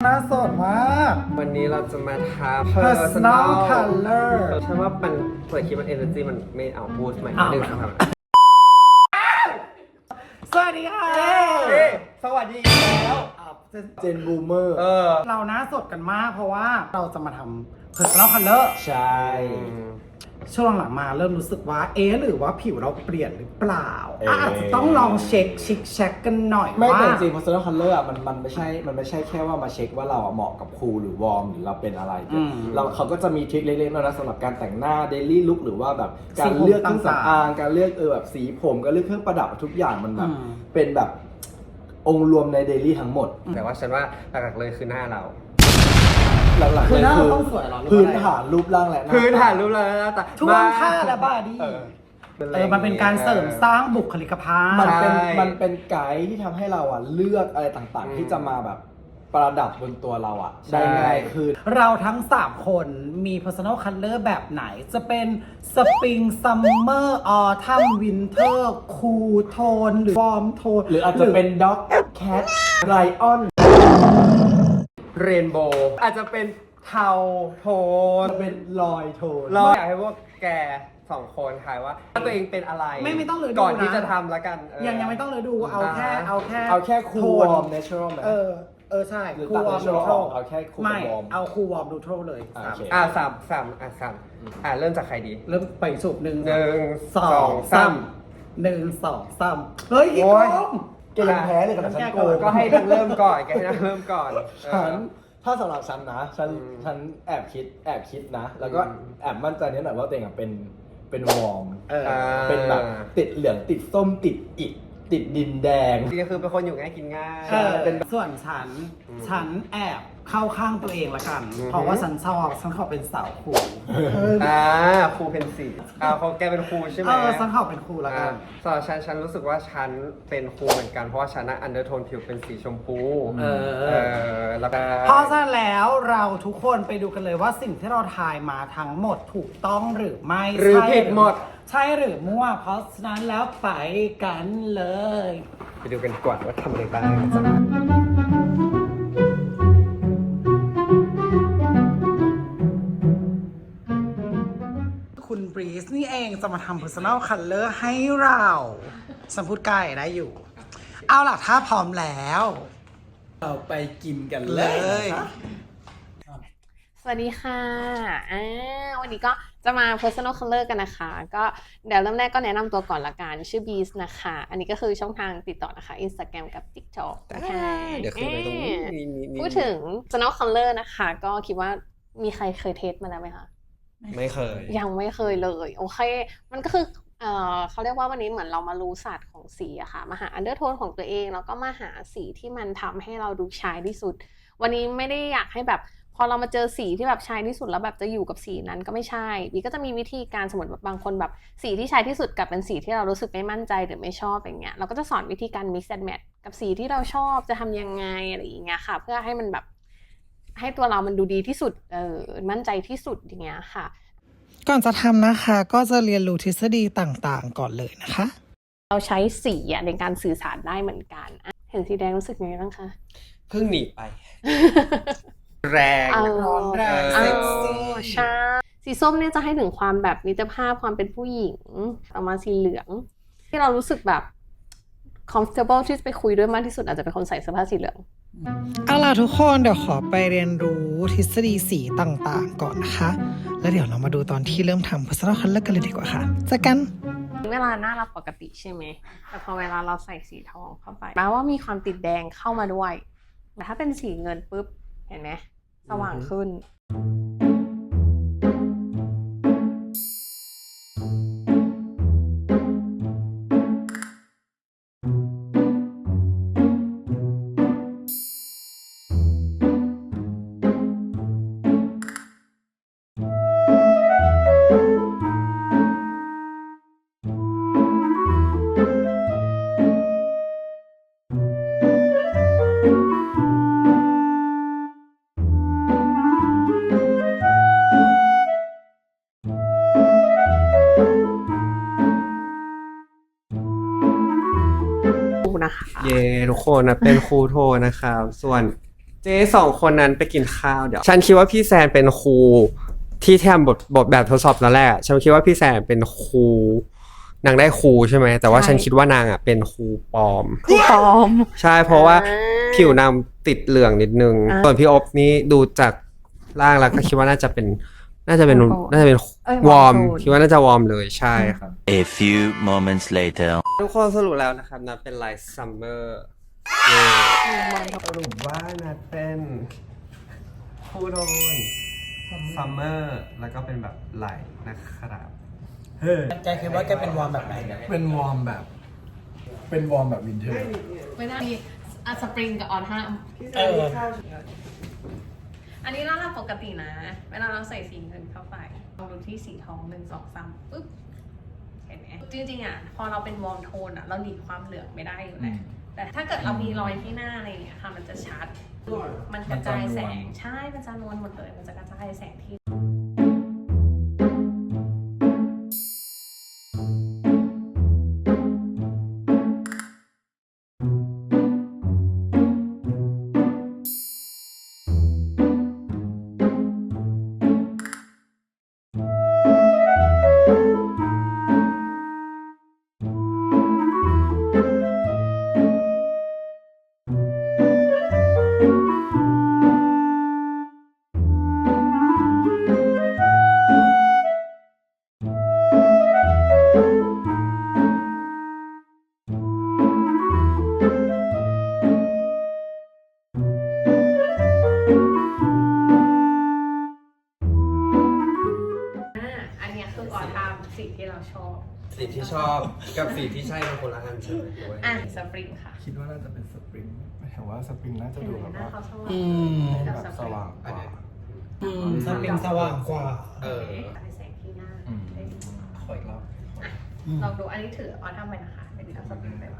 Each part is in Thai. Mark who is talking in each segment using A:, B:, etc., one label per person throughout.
A: น่าสดมาก
B: วันนี้เราจะมาทำ
A: personal color
B: ฉันว่ามันเปิดคลิปมัน energy มันไม่เอาพูดใหม่หนึ่งสองสาม
A: สวัสดีค่ะ
B: สวัสดีแล้ว
C: เจนบูมเมอร์
A: เราหน้าสดกันมากเพราะว่าเราจะมาทำ personal color
C: ใช่
A: ช่วงหลังมาเริ่มรู้สึกว่าหรือว่าผิวเราเปลี่ยนหรือเปล่าอาจจะต้องลองเช็คเช็คกันหน่อย
C: ไม่
A: ว่า
C: แต่จริง personal color อ่ะมันไม่ใช่แค่ว่ามาเช็คว่าเราเหมาะกับคูลหรือวอร์มหรือเราเป็นอะไรเขาก็จะมีทริคเล็กๆน้อยๆสำหรับการแต่งหน้า daily look หรือว่าแบบการเลือกเครื่องสำอางการเลือกแบบสีผมการเลือกเครื่องประดับทุกอย่างมันแบบเป็นแบบองค์รวมใน daily ทั้งหมด
B: แต่ว่าฉันว่าหลักๆเลยคือหน้าเรา
C: หลักๆเลย
A: หน้า
C: คื
A: เรา
C: อ
A: ต้องสวยเหรอ
C: พื้นฐานรูปร่างและหน้า
B: พื้นฐานรูปแล้วนะแต่
A: ท่วงท่าและบอดี้มันเป็นการเสริมสร้างบุคลิกภาพ
C: มันเป็นไกด์ที่ทำให้เราอ่ะเลือกอะไรต่างๆ ที่จะมาแบบประดับบนตัวเราอ่ะได้ง่ายขึ้น
A: เราทั้ง 3 คนมี personal color แบบไหนจะเป็น spring summer autumn winter cool tone หรือ warm tone
C: หรืออาจจะเป็น dog cat lion
B: เรนโบว์อาจจะเป็นเทาโทน
C: เป็นลอยโทน
B: เราอยากให้พวกแก2 คนทายว่าตัวเองเป็นอะไร
A: ไม่ต้องเลยดูนะ
B: ก่อนที่จะทำแล้วกัน
A: ยังไม่ต้องเลยดูเอาแค่
C: cool warm natural ไหม
A: ใช่
C: หรือ
A: cool
C: ตัด
A: warm
C: natural
A: neutral
C: เอาแค่ cool
A: ไม่
C: warm
A: เอา cool warm neutral เลย
C: โอเค
B: สามเริ่มจากใครดี
A: เริ่มไปสุบหนึ่ง
B: 1 2 3
A: 1 2 3เฮ้ยอีก
B: โอ้ย
A: กอง
C: แกยังแพ้เลยกับฉันโกง
B: ก็ให้ทั้งเริ่มก่อนแกให้ทั้งเริ่มก่อน
C: ถ้าสำหรับฉันนะฉันแอบคิดนะ แล้วก็แอบมั่นใจนิดหน่อยว่าตัวเองอะเป็นวอร์มเป็นแบบติดเหลืองติดส้มติดอิฐติดดินแดง
B: จริงๆคือเป็นคนอยู่ง่ายกินง่าย
A: ส่วนฉันแอบเข้าข้างตัวเองละกัน เพราะว่าฉันขอเป็นสาวครู
B: ครูเพนสีเขาแกเป็นครูใช่ไหม
A: ฉันขอเป็นครูละกัน
B: สำหรับฉันรู้สึกว่าฉันเป็นครูเหมือนกันเพราะว่าฉันน่ะอันเดอร์โทนผิวเป็นสีชมพูแล้วก็
A: เพราะฉะนั้นแล้วเราทุกคนไปดูกันเลยว่าสิ่งที่เราทายมาทั้งหมดถูกต้องหรือไม่
B: หรือผิดหมด
A: ใช่หรือมั่ว เพราะฉะนั้นแล้วไปกันเลย
B: ไปดูกันก่อนว่าทำอะไรบ้าง
A: คุณบรีสนี่เองจะมาทำ personal color ให้เราฉันพูดใกล้ได้อยู่ เอาล่ะถ้าพร้อมแล้ว
C: เราไปกินกัน
A: เล
C: เลย
D: สวัสดีค่ะวันนี้ก็จะมา personal color กันนะคะ ก็เดี๋ยวเริ่มแรกก็แนะนำตัวก่อนละกัน ชื่อ Beast นะคะ อันนี้ก็คือช่องทางติดต่อนะคะ Instagram กับ TikTok นะคะ
B: เดี๋ยวขึ้นไปตรงนี้
D: พูดถึง personal color นะคะ ก็คิดว่ามีใครเคยเทสมาแล้วไหมคะ
B: ไม่เคย
D: ยังไม่เคยเลย โอเค มันก็คือเขาเรียกว่าวันนี้เหมือนเรามารู้ศาสตร์ของสีอะค่ะ มาหาอันเดอร์โทนของตัวเอง แล้วก็มาหาสีที่มันทำให้เราดูชายที่สุด วันนี้ไม่ได้อยากให้แบบพอเรามาเจอสีที่แบบชายที่สุดแล้วแบบจะอยู่กับสีนั้นก็ไม่ใช่บีก็จะมีวิธีการสมมติแบบบางคนแบบสีที่ชายที่สุดกับเป็นสีที่เรารู้สึกไม่มั่นใจหรือไม่ชอบอย่างเงี้ยเราก็จะสอนวิธีการ mix and match กับสีที่เราชอบจะทำยังไงอะไรอย่างเงี้ยค่ะ เพื่อให้มันแบบให้ตัวเรามันดูดีที่สุดมั่นใจที่สุดอย่างเงี้ยค่ะ
A: ก่อนจะทำนะคะก็จะเรียนรู้ทฤษฎีต่างๆก่อนเลยนะคะ
D: เราใช้สีในการสื่อสารได้เหมือนกันเห็นสีแดงรู้สึกยังไงบ้างคะ
B: เพิ่งหนีไป แรง
A: ร้อนแรงเซ็กซี่
D: ใช่สีส้มเนี่ยจะให้ถึงความแบบมิตรภาพความเป็นผู้หญิงต่อมาสีเหลืองที่เรารู้สึกแบบ comfortable ที่จะไปคุยด้วยมากที่สุดอาจจะเป็นคนใส่เสื้อผ้าสีเหลือง
A: เอาล่ะทุกคนเดี๋ยวขอไปเรียนรู้ทฤษฎีสีต่างๆก่อนนะคะ แล้วเดี๋ยวเรามาดูตอนที่เริ่มทำ personal color กันเลยดีกว่าค่ะเจอกัน
D: เวลาหน้าเราปกติใช่ไหมแต่พอเวลาเราใส่สีทองเข้าไปแปลว่ามีความติดแดงเข้ามาด้วยแต่ถ้าเป็นสีเงินปุ๊บเห็นไหมสว่างขึ้นนะคะ
B: เย่ทุกคนนะเป็นครูโทนะครับส่วนเจเจ๊สองคนนั้นไปกินข้าวเดี๋ยวฉันคิดว่าพี่แซนเป็นครูที่ทำบทแบบทดสอบแล้วแหละฉันคิดว่าพี่แซนเป็นครูนางได้ครูใช่ไหมแต่ว่าฉันคิดว่านางอ่ะเป็นครูปลอม
D: ครูปลอม
B: ใช่เพราะว่าผิวนางติดเหลืองนิดนึงส่วนพี่อบนี่ดูจากร่างแล้วก็คิดว่าน่าจะเป็นวอร์มคิดว่าน่าจะวอร์มเลยใช่ครับ
E: A few moments later.
B: ทุกคนสรุปแล้วนะครับนัดเป็นไลท์ซัมเมอร์สรุปว่านัดเป็นคูโดนซัมเมอร์แล้วก็เป็นแบบไหลนะครับ
A: แกคิดว่าแกเป็นวอร์มแบบไหนเนี่ย
C: เป็นวอร์มแบบวินเทอร์
D: ไม่น่ามีสปริงกับออทัม อันนี้เราปกตินะ เวลาเราใส่สีเงินเข้าไปลองดูที่สีทอง1 2 3ปึ๊บเห็นไหมจริงๆอ่ะพอเราเป็นวอร์มโทนอ่ะเราหนีความเหลืองไม่ได้อยู่แล้วแต่ถ้าเกิดเรามีรอยที่หน้าอะไรอย่างเงี้ยค่ะมันจะชัดมันกระจายแสงใช่มันจะนวลหมดเลยมันจะกระจายแสงที่อันนี้คือออทัมสีที่เราชอบ
B: สีที่ชอบกับสีที่ใช่เป็นคนละอันใช่ไหม
D: สปริงค่ะ
C: คิดว่าน่าจะเป็นสปริงแต่ว่าสปริงน่าจะ
D: เห็น
C: ดู
D: ไหม
C: แบบ
D: หน้า
C: ว่า
D: เขาสว่าง
C: แบบสว่างกว่า
A: สปริงสว่างกว่า
D: กระจายแสงที่หน้า
C: อืม
D: ได้ดี
C: ขออีกรอบ
D: ลองดูอันนี้ถือออทัมไปนะคะเป็นเอาสปริงไปวาง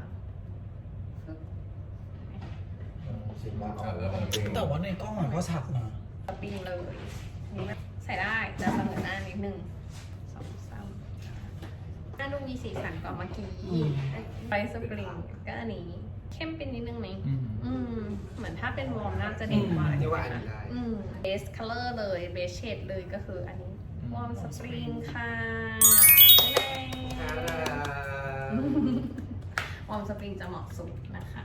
A: แต่ว่าในกล้องมันก็ชัดนะ
D: สปริงเลยนี่ใส่ได้จะเสมอหน้านิดนึง2 3หน้าดูมีสีสันกว่าเมื่อกี้ไปสปริงก็อันนี้เข้มเป็นนิดนึงไหมเหมือนถ้าเป็นวอร์มน่าจะเด่นกว่า
B: นี่ว่าอันนี้ได้
D: เบสคัลเลอร์เลยเบสเชดเลยก็คืออันนี้วอร์มสปริงค่ะวอร์มสปริงจะเหมาะสุดนะคะ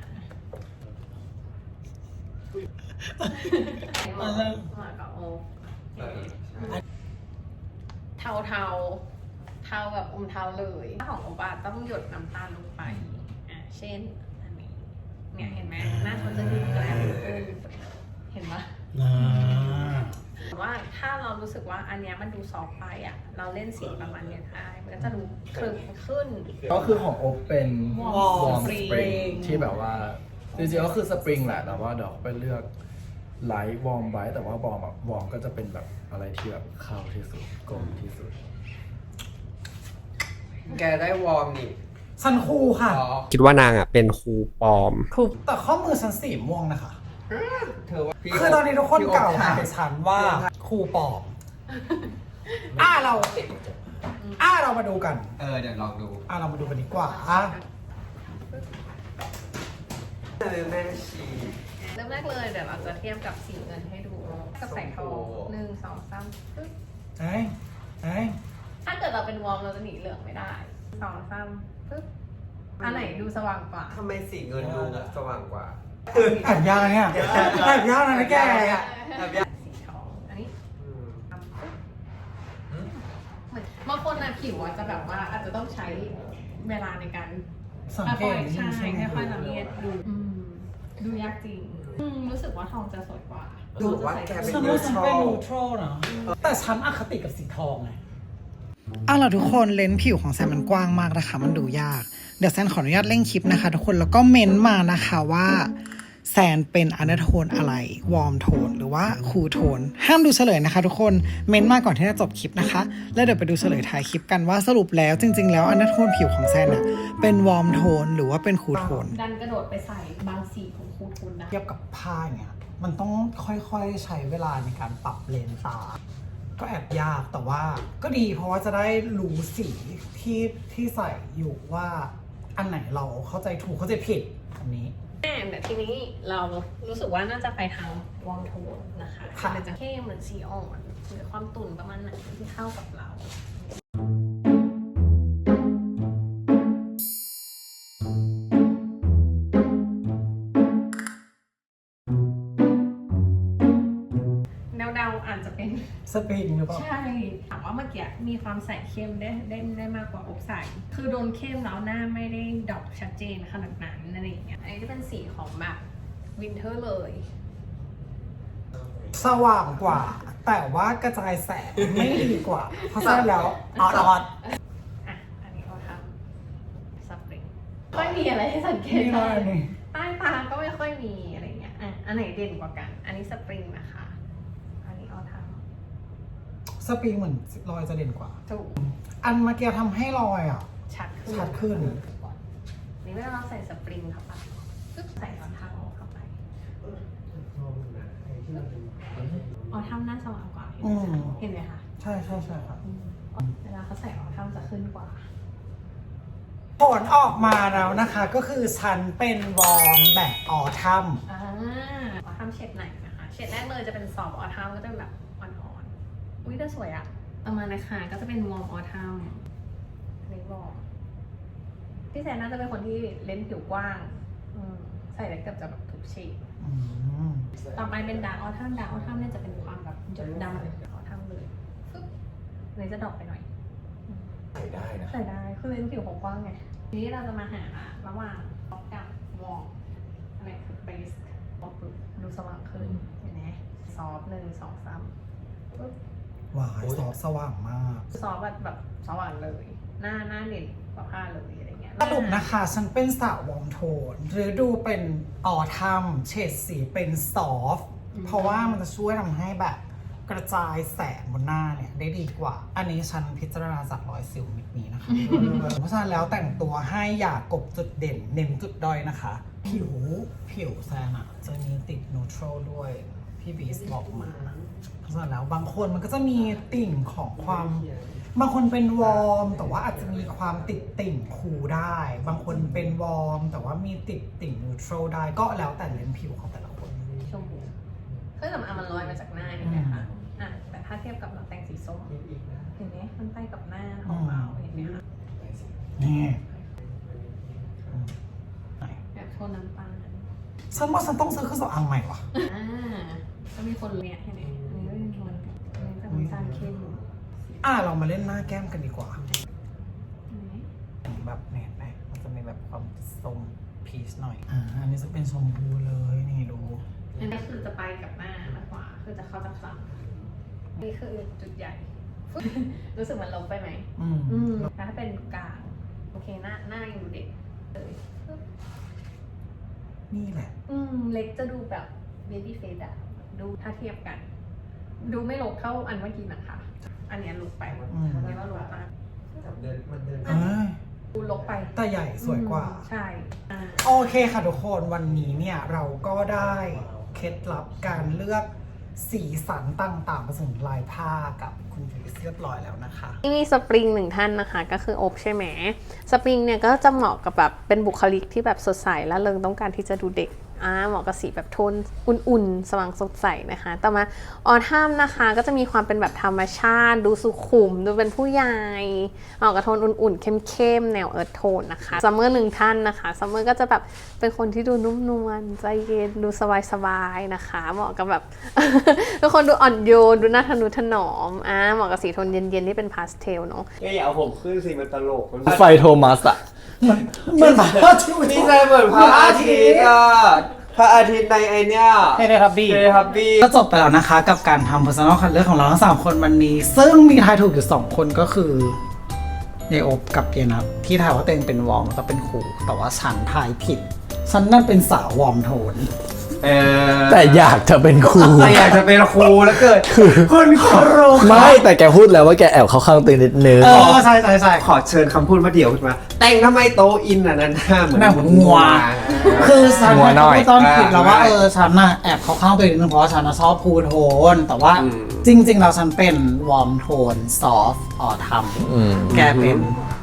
D: เหมาะกับโอเทาแบบอมเทาเลยของโอบาต้องหยดน้ำตาลลงไปเช่นอันนี้เนี่ยเห็นไหมหน้าเขาจะดูแกลมขึ้นเห็นปะว่าถ้าเรารู้สึกว่าอันเนี้ยมันดูซอฟต์ไปอ่ะเราเล่นสีประมาณเนี้ยได้มันก็จะดูคลึมขึ้น
C: ก็คือของโอ๊คเป็น
A: วอร์ม
C: วอร์ม
A: ส
C: ส
A: ปริง
C: ปริงที่แบบว่าจริงๆก็คือสปริงแหละแต่ว่าเดี๋ยวไปเลือกไลท์วอร์มไว้แต่ว่าวอร์มก็จะเป็นแบบอะไรที่แบบเข้าที่สุดกลมที่สุด
B: แกได้วอร์มนี่
A: ฉันครูค่ะ
B: คิดว่านางอ่ะเป็นครูปลอม
A: แต่ข้อมือฉันสีม่วงนะคะ
B: เธอว่า
A: คือตอนนี้ทุกคนกล่าวหาฉันว่าครูปลอมเรามาดูกัน
B: เดี๋ยวลองดู
A: เรามาดูกันดีกว่า
B: แม่ชี
D: เริ่มแรกเลยเดี๋ยวเราจะเทียบกับสีเงินให้ดูกับแสงทอง1 2 3ปึ๊บ ถ้าเกิดเราเป็นวอร์มเราจะหนีเหลืองไม่ได้2 3ปึ๊บอันไหนดูสว่างกว่า
B: ทำไมสีเงินดูสว่างกว่า
A: แอบยากนะเนี่ยแอบยากนะแก
D: สีทองอันนี้ทำปึ๊บเหมือนบางคนนะผิวอาจจะแบบว่าอาจจะต้องใช้เวลาในการ
A: สังเกต
D: ใช่ค่อยๆสังเกตดูยากจริงรู้สึกว่าทองจะสวยกว่า
B: รู้สึกว่าแกเป็น
A: ฉันว่าฉันเป็นนูโตรนะแต่ฉันอคติกับสีทองไงล่ะทุกคนเลนส์ผิวของแซมมันกว้างมากนะคะมันดูยากเดี๋ยวแซมขออนุญาตเร่งคลิปนะคะทุกคนแล้วก็เม้นมานะคะว่าแซนเป็นอันเดอร์โทนอะไรวอร์มโทนหรือว่าคูลโทนห้ามดูเฉลยนะคะทุกคนเม้นมาก่อนที่จะจบคลิปนะคะแล้วเดี๋ยวไปดูเฉลยท้ายคลิปกันว่าสรุปแล้วจริงๆแล้วอันเดอร์โทนผิวของแซนอะเป็นวอร์มโทนหรือว่าเป็นคูลโทน
D: ดันกระโดดไปใส่บางสีของคูทูนได้
A: เทียบกับผ้าเนี่ยมันต้องค่อยๆใช้เวลาในการปรับเลนตา ก็แอบยากแต่ว่าก็ดีเพราะว่าจะได้รู้สีที่ใส่อยู่ว่าอันไหนเราเข้าใจถูกเข้าใจผิดอันนี้
D: แต่ทีนี้เรารู้สึกว่าน่าจะไปทางวอร์มโทนนะคะ
A: ค่ะ
D: มันจะเข้มเหมือนสีอ่อนหรือความตุ่นประมาณไหนที่เข้ากับเรา เดาๆอาจจะเป็น
A: สปริงหรือเปล่า
D: ใช่ถามว่าเมื่อกี้มีความใส่เข้มได้มากกว่าอบใส่คือโดนเข้มแล้วหน้าไม่ได้ดอกชัดเจนขนาดนั้นอะไรอย่างเงี้ยอันนี้จะเป็นสีของแบบวินเทอร์เลย
A: สว่างกว่า แต่ว่ากระจายแสงไม่ดีกว่า เพราะฉะนั้นแล้วออด
D: อ่ะอันนี้เราทำสปริงไม่มีอะไรให้สังเกต
A: นี่
D: เล
A: เลย
D: ย
A: นี่
D: ใต้ตาก็ไม่ค่อยมีอะไรเงี้ยอ่ะอันไหนเด่นกว่ากัน อันนี้สปริงนะคะ อันนี้เอาท
A: สปริงเหมือนรอยจะเด่นกว่า
D: ำถูก
A: อันเมื่อกี้ทำให้รอยอ่ะ
D: ชัดขึ้น
A: ชัดขึ้น
D: นี่เวลาเราใส่สปริงเข้าไปปึ๊บใส่รองเท้าเข้าไปอ๋อทำหน้าสว่างกว่าเห็นไหมคะ
A: ใช่ค่ะ
D: เวลาเขาใส่รองเท้าจะขึ้นกว่า
A: ผลออกมาแล้วนะคะ ก็คือฉันเป็นวอร์มแบบออทัม
D: ออทัมเฉดไหนนะคะ เฉดแรกเลยจะเป็นซอฟต์ออทัมก็จะเป็นแบบอ่อนๆ อุ้ยแต่สวยอะต่อมานะคะก็จะเป็นวอร์มออทัมอันนี้วอร์มพี่แซนน่าจะเป็นคนที่เลนส์ผิวกว้างใส่ได้เกือบจะแบบทุกเฉดต่อไปเป็นดาร์กออทัมเนี่ยจะเป็นความแบบหยดดำออทัมเลยฟึ๊บเลยจะดรอปไปหน่อย
C: ใส่ได้นะ
D: ใส่ได้คือเลนส์ผิวเขากว้างไงทีนี้เราจะมาหาระหว่างท็อปกับวอร์มอันไหนคือเบสดูสว่างขึ้นเห็นไหมซอฟต์1 2 3ปึ๊บ
A: หวายซอฟต์สว่างมาก
D: ซอฟต์แบบสว่างเลย หน้าเด่นกว่าผ้าเลยอะไรเงี้ย
A: สรุปนะคะ ฉันเป็นสาววอร์มโทน หรือดูเป็นออทัมเฉดสีเป็นซอฟต์เพราะว่ามันจะช่วยทำให้แบบกระจายแสงบนหน้าเนี่ยได้ดีกว่า อันนี้ฉันพิจารณาจากรอยสิวเม็ดนี้นะคะ เพราะฉะนั้นแล้วแต่งตัวให้อย่ากบจุดเด่นเน้นจุดด้อยนะคะ ผิวแซนอะจะมีติดนูทรัลด้วย พี่บีสบอกมา เพราะฉะนั้นแล้วบางคนมันก็จะมีติ่งของความบางคนเป็นวอร์มแต่ว่าอาจจะมีความติดติ่งคูลได้ บางคนเป็นวอร์มแต่ว่ามีติดติ่งนูทรัลได้ก็แล้วแต่เลนส์ผิวของแต่ละคน
D: ชมพูเครื่องสำอางมันลอยมาจากหน้าเห็นไหมคะแต่ถ้าเทียบกับเราแต่งสีส้มเห็นไหมมันไปกับหน้าของเราเห็นไหมคะ
A: นี่
D: แบบโทนน้ำตาล
A: ฉันว่าฉันต้องซื้อเครื่องสำอางใหม่ว่ะ
D: ก็มีคนเนี่ยเห็นไหมอันนี้ก็เป็นโทนอันนี้จะเป็นน้ำตาลเข้ม
A: เรามาเล่นหน้าแก้มกันดีกว่า
D: เห็นไหม
A: แบบเนี่ยไหมมันจะมีแบบความส้มพีชหน่อย อันนี้จะเป็นชมพูเลยนี่ดู
D: อันนี้คือจะไปกับหน้ามากกว่าคือจะเข้าจากหลังนี่คือจุดใหญ่ รู้สึกมันลงไปไหมแต่ถ้าเป็นกลางโอเคหน้ายังดูเด็กเลย
A: นี่แหละ
D: เล็กจะดูแบบเบบี้เฟสอะดูถ้าเทียบกัน ดูไม่ลกเท่าอันเมื่อกี้นะคะ อันเนี้ยลกไปอันนี้ว่าลกมาก
B: มันเดิน
D: ดูลกไป
A: แต่ใหญ่สวยกว่า
D: ใช่อ่า
A: โอเคค่ะทุกคนวันนี้เนี่ยเราก็ได้เคล็ดลับการเลือกสีสันต่างๆผสมลายผ้ากับคุณพีชเรียบร้อยแล้วนะคะ
D: ที่มีสปริงหนึ่งท่านนะคะก็คืออบใช่ไหมสปริงเนี่ยก็จะเหมาะกับแบบเป็นบุคลิกที่แบบสดใสและเริงต้องการที่จะดูเด็กเหมาะกับสีแบบโทนอุ่นๆสว่างสดใสนะคะต่อมาออทัมนะคะก็จะมีความเป็นแบบธรรมชาติดูสุขุมดูเป็นผู้ใหญ่เหมาะกับโทนอุ่นๆเข้มๆแนวเอิร์ธโทนนะคะซัมเมอร์หนึ่งท่านนะคะซัมเมอร์ก็จะแบบเป็นคนที่ดูนุ่มนวลใจเย็นดูสบายๆนะคะเหมาะกับแบบ เป็นคนดูอ่อนโยนดูน่าทะนุถนอมเหมาะกับสีโทนเย็นๆที่เป็นพาสเทลเนาะ
B: อย่าเอาผมขึ้นสิมันตลก
C: ไฟโทมัสอะ
A: เหมือนพระอาทิตย์
B: นี่ใจเหมือนพระอาทิตย์อ่ะพระอาทิตย์ในไอเนี้ย
A: เฮ้ยครับบี้
B: เฮ้ยครับบี้
A: ก็จบไปแล้วนะคะกับการทำ personal color ของเราทั้ง3คนวันนี้ ซึ่งมีทายถูกอยู่2คนก็คือเยอบกับเยนับที่ทายว่าตัวเองเป็นวอร์มแล้วก็เป็นครูแต่ว่าฉันทายผิด ฉันนั่นเป็นสาววอร์มโทน
C: แต่อยากจะเป็นครู
B: แต่อยากจะเป็นครูแล้วเกิดคุณครู
C: ไม่แต่แกพูดแล้วว่าแกแอบเข้าข้างตัวเองนิดนึง
A: ใช่
B: ขอเชิญคำพูดมาเดี่ยวขึ้นมา แต่งทำไมโตอินอ่ะนั่นหน้าเหมือน
A: หน้าเหมือนงัว คือฉัน
C: หัวหน่อย
A: ตอนผิดแล้วว่าฉันน่ะแอบเข้าข้างตัวเองนิดนึงเพราะว่าฉันน่ะชอบพูลโทน แต่ว่าจริงๆเราฉันเป็นวอร์มโทนซอฟต์ออทัมแกเป็น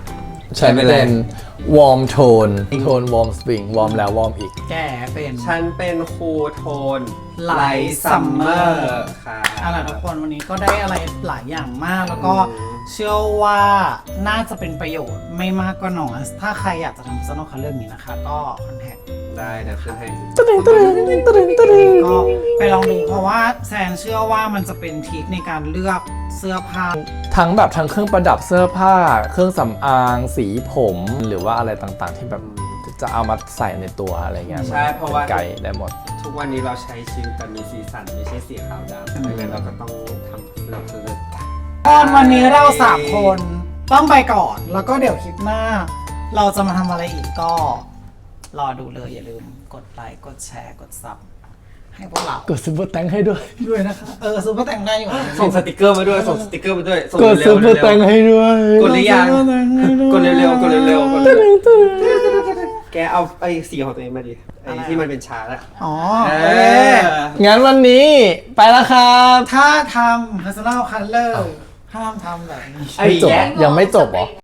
F: ฉันเป็นวอร์มโทนวอร์มสปริงวอร์มแล้ววอร์มอีก
A: แกเป็น
B: ฉันเป็นคูลโทน
A: Light Summer
B: ค่ะ
A: เอาล่ะทุกคนวันนี้ก็ได้อะไรหลายอย่างมาก แล้วก็เชื่อว่าน่าจะเป็นประโยชน์ไม่มากก็น้อยถ้าใครอยากจะทำ personal color นี้นะคะ ก็คอนแทค
B: ได้เดี๋ยวขึ้นให้
A: ก็ไปลองดูเพราะว่าแซนเชื่อว่ามันจะเป็นทริคในการเลือกเสื้อผ้า
F: ทั้งแบบทั้งเครื่องประดับเสื้อผ้า เครื่องสำอางสีผมหรือว่าอะไรต่างๆ ที่แบบจะเอามาใส่ในตัวอะไรเงี้ย
B: ใช่เพราะว่า
F: ไกด์ได้หมด
B: ทุกวันนี้เราใช้ชีวิตแบบมีสีสันไม่ใช่สีขาวดำดังนั้นเราก็ต้องทำเสื้อ
A: ตอนวันนี้เรา3คนต้องไปก่อน แล้วก็เดี๋ยวคลิปหน้า เราจะมาทำอะไรอีกก็รอดูเลยอย่าลืมกดไลค์กดแชร์กดซับให้พวกเรา
F: กดซุปเปอร์แตงให้ด้วย
A: ด้วยนะคะซูเปอร์แต่งได้อยู่
B: ส่งสติกเกอร์มาด้วยส่งสติกเกอร์มาด้วยส่ง
F: กด
B: เร็
F: ซุ
B: ว
F: ปเปอร์แตงให้ด้วย
B: กดหรือยังกดเร็วๆกดเร็วๆกดเร็วๆแกเอาไอ้สีของตัวเองมาดิไอ้ที่มันเป็นชาร์ตอะ
A: อ๋อ
F: งั้นวันนี้ไปแล้วครับ
A: ถ้าทำ personal color ห้ามทำแบบนี้
F: ไม่จบยังไม่จบเหรอ